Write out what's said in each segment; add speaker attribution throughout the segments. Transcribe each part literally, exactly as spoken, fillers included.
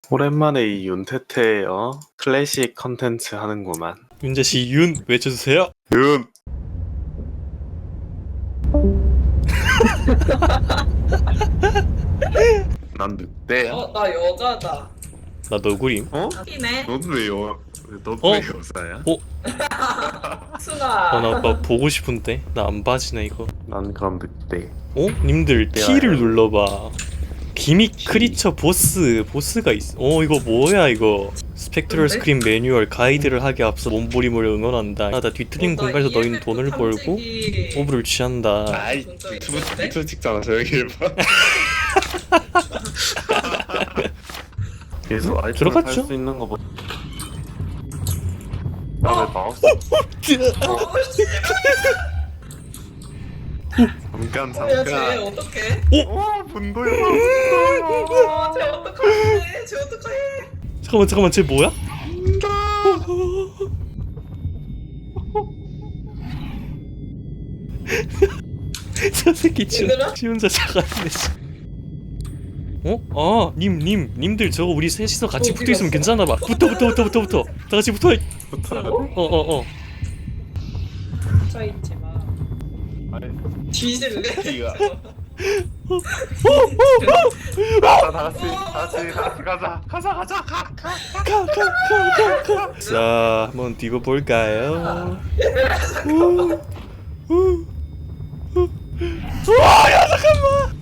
Speaker 1: 오랜만에 이 윤태태 어 클래식 컨텐츠 하는구만.
Speaker 2: 윤재씨 윤 외쳐주세요.
Speaker 1: 윤. 난 늑대야.
Speaker 3: 어, 나 여자다.
Speaker 2: 나 너구림.
Speaker 1: 어?
Speaker 3: 티네.
Speaker 1: 너도 왜 여? 너도
Speaker 2: 어?
Speaker 1: 왜 여자야?
Speaker 3: 순아.
Speaker 2: 어, 나 오빠 보고 싶은데 나 안 봐지네 이거.
Speaker 1: 난 그럼 늑대.
Speaker 2: 어? 님들
Speaker 1: 늑대야.
Speaker 2: T를 눌러봐. 기믹 크리처 보스 보스가 있어. 어 이거 뭐야 이거. 스펙트럴
Speaker 3: 뭔데?
Speaker 2: 스크린 매뉴얼 가이드를 하기 앞서 몸부림을 응원한다. 나 뒤틀린 공간에서 너희는 돈을 벌고 오브를 취한다.
Speaker 1: 아이
Speaker 3: 진짜
Speaker 1: 유튜브
Speaker 3: 있었대?
Speaker 1: 유튜브 찍잖아. 조용히 해봐. 계속 아이템을
Speaker 2: 들어갔죠?
Speaker 1: 살수 있는 거 뭐? 야왜 마우스? 잠깐
Speaker 3: 야, 쟤
Speaker 1: 잠깐.
Speaker 3: 어떡해?
Speaker 1: 와 분도야.
Speaker 3: 어, 쟤 어떡하지? 쟤 어떡해?
Speaker 2: 잠깐만 잠깐만 쟤 뭐야? 저 새끼 지,
Speaker 3: 얘들아?
Speaker 2: 지 혼자 자가는데 어? 아, 님, 님, 님들 저거 우리 셋이서 같이
Speaker 3: 어,
Speaker 2: 붙어 있으면
Speaker 3: 어디
Speaker 2: 괜찮아 봐. 붙어, 붙어, 붙어, 붙어, 붙어. 다 같이 붙어. 어, 어, 어.
Speaker 3: 저 있지 마. 뒤질래?
Speaker 1: 이거. 가자 다 같이 다 같이 다 같이 가자 가자 가자 가 가.
Speaker 2: 가, 가, 가, 가, 가. 자, 한번 뛰고 볼까요? 우, 우, 우. 우와, 야 잠깐만.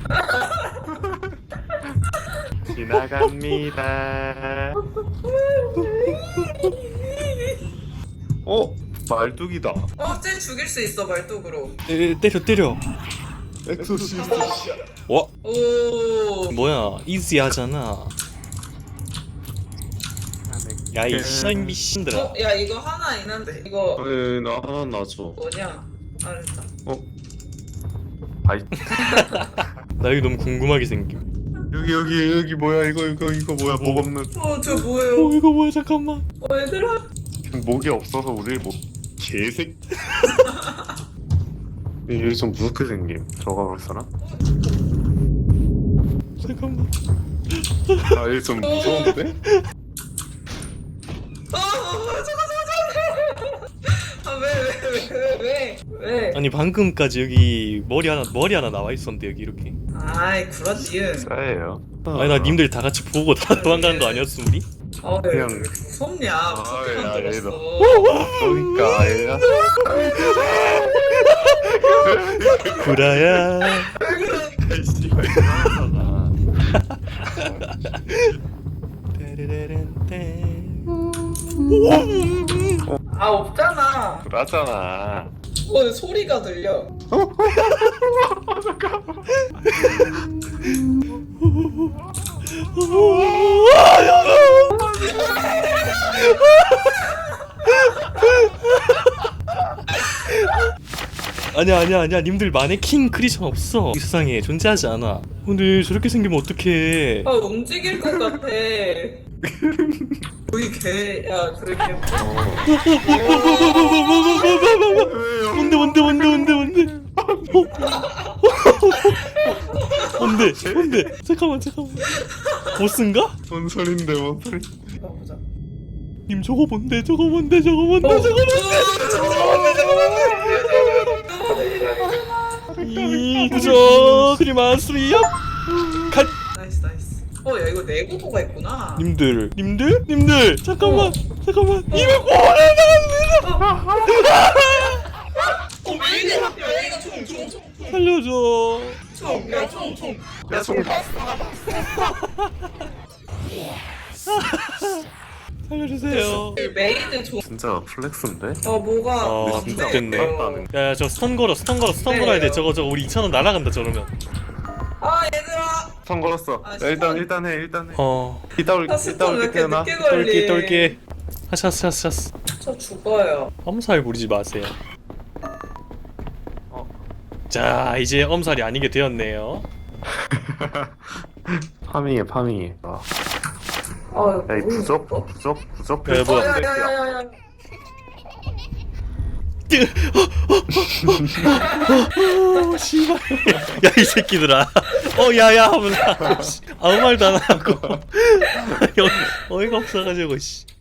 Speaker 1: 지나갑니다. 어 말뚝이다.
Speaker 3: 어, 쟤 죽일 수 있어, 말뚝으로.
Speaker 2: 에, 때려, 때려.
Speaker 1: 엑소시스트.
Speaker 2: 와,
Speaker 3: 오.
Speaker 2: 뭐야? 이지하잖아. 야이 쌍 미친들아.
Speaker 3: 어, 야, 이거 하나 있는데. 이거
Speaker 1: 에이 나 하나 놔줘.
Speaker 3: 뭐냐? 알았다.
Speaker 1: 어? 아이
Speaker 2: 나 이거 너무 궁금하게 생김.
Speaker 1: 여기 여기 여기 뭐야 이거 이거 이거 뭐야 목 없는.
Speaker 3: 어, 저
Speaker 2: 어
Speaker 3: 뭐예요?
Speaker 2: 이거 뭐야 잠깐만.
Speaker 3: 어, 얘들아.
Speaker 1: 목이 없어서 우리 뭐 개색. 여기 좀 무섭게 생김. 들어가 볼 사람?
Speaker 2: 잠깐만.
Speaker 1: 아 여기 좀 무서운데?
Speaker 3: 어, 어, 잠깐, 잠깐, 잠깐. 아, 왜, 왜, 왜, 왜, 왜? 왜?
Speaker 2: 아니 방금까지 여기 머리 하나 머리 하나 나와 있었는데 여기 이렇게.
Speaker 3: 아이, 그렇지.
Speaker 1: 싸예요.
Speaker 2: 아니 나 님들 다 같이 보고 다 도망가는 거 아니었어 우리?
Speaker 3: 아, 왜, 왜
Speaker 1: 그냥-
Speaker 3: 이렇게 무섭냐?
Speaker 1: 아,
Speaker 3: 무섭게
Speaker 1: 야,
Speaker 3: 만들었어.
Speaker 1: 그러니까 얘가
Speaker 2: 구라야.
Speaker 1: 씨발 이상하잖아.
Speaker 3: 아, 없잖아.
Speaker 1: 그러잖아.
Speaker 3: 어, 소리가 들려.
Speaker 2: 아니야 아니야 아니야 님들 마네킹 크리처는 없어 이 세상에 존재하지 않아. 근데 저렇게 생기면 어떡해.
Speaker 3: 아, 움직일 것 같아. 거의 개, 야, 그렇게.
Speaker 2: 뭔데 뭔데 뭔데 뭔데 뭔데 뭔데 뭔데 잠깐만 잠깐만 보스인가?
Speaker 1: 뭔 소린데 뭔 소리?
Speaker 3: 보자.
Speaker 2: 님 저거 뭔데 저거 뭔데 저거 뭔데 저거 이 그저 그리만 수리업 갓.
Speaker 3: 나이스, 나이스. 어, 야, 이거 내구도가 있구나.
Speaker 2: 님들 님들 님들 잠깐만
Speaker 3: 어.
Speaker 2: 잠깐만 이거
Speaker 3: 어, 왜 이래? 야, 이거 총, 총, 총,
Speaker 2: 살려줘.
Speaker 3: 총. 야, 총, 총.
Speaker 1: 야 송.
Speaker 2: 살려주세요.
Speaker 3: 메이드 총.
Speaker 1: 진짜 플렉스인데?
Speaker 3: 어, 뭐가.
Speaker 2: 아
Speaker 1: 진짜
Speaker 2: 됐네.
Speaker 3: 어.
Speaker 2: 야야 저 스턴 걸어 스턴 걸어 스턴
Speaker 3: 네.
Speaker 2: 걸어야 돼. 저거 저거 우리 이천 원 날아간다 저러면.
Speaker 3: 아, 얘들아.
Speaker 1: 선 걸었어.
Speaker 3: 아,
Speaker 1: 야, 일단
Speaker 3: 스턴.
Speaker 1: 일단 해 일단 해.
Speaker 2: 어
Speaker 1: 이따 올
Speaker 3: 아,
Speaker 1: 이따
Speaker 3: 스턴 왜
Speaker 1: 올게
Speaker 3: 이렇게
Speaker 1: 태어나.
Speaker 3: 늦게 걸리?
Speaker 2: 똘끼 똘끼. 하샤스 하샤스 하샤스.
Speaker 3: 저 죽어요.
Speaker 2: 엄살 부리지 마세요.
Speaker 1: 어.
Speaker 2: 자 이제 엄살이 아니게 되었네요.
Speaker 1: 파밍해 파밍해. 아.
Speaker 3: 어,
Speaker 1: 야이 부적 부적 부적.
Speaker 2: 야, 뭐야.
Speaker 3: 야, 야, 야, 야, 야.
Speaker 2: 오 씨발. 야 이 새끼들아. 어 야야 하면서. 아무 말도 안 하고 어이- 어이가 없어가지고 씨.